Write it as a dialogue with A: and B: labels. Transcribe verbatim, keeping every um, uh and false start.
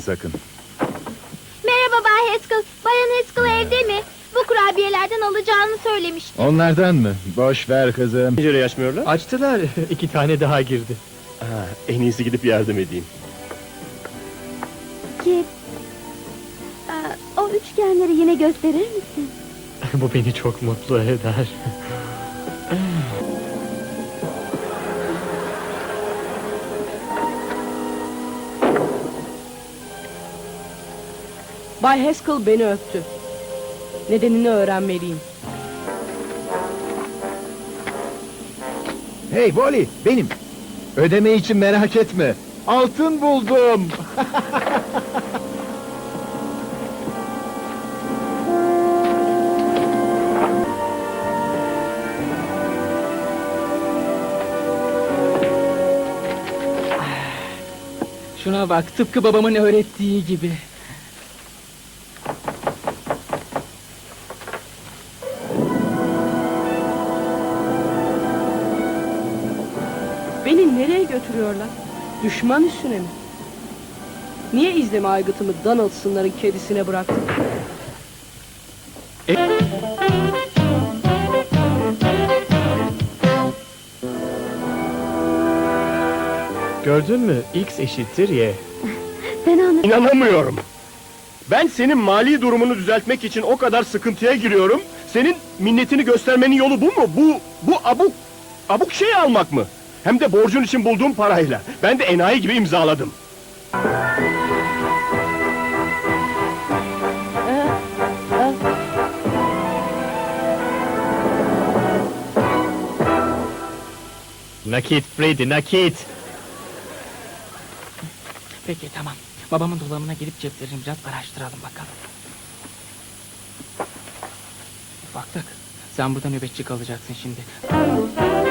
A: sakın.
B: Merhaba Bay Haskell. Bayan Haskell evde mi? Bu kurabiyelerden alacağını söylemişti.
A: Onlardan mı? Boş ver kızım.
C: Pencere açmıyorlar.
D: Açtılar, iki tane daha girdi.
C: Ha, en iyisi gidip yardım edeyim.
B: Kip, aa, o üçgenleri yine gösterir misin?
D: Bu beni çok mutlu eder.
E: Bay Haskell beni öptü. Nedenini öğrenmeliyim.
A: Hey Wally, benim. Ödeme için merak etme. Altın buldum.
F: Şuna bak, tıpkı babamın öğrettiği gibi.
E: Beni nereye götürüyorlar? Düşman üstüne mi? Niye izleme aygıtımı Donaldson'ların kedisine bıraktım?
D: Gördün mü? X eşittir Y.
B: Sen anladın.
C: İnanamıyorum. Ben senin mali durumunu düzeltmek için o kadar sıkıntıya giriyorum. Senin minnetini göstermenin yolu bu mu? Bu, bu abuk, abuk şey almak mı? Hem de borcun için bulduğum parayla. Ben de enayi gibi imzaladım.
D: Nakit Freddy, nakit.
F: Peki, tamam. Babamın dolabına girip ceplerini biraz araştıralım bakalım. Ufaklık, sen burada nöbetçi kalacaksın şimdi.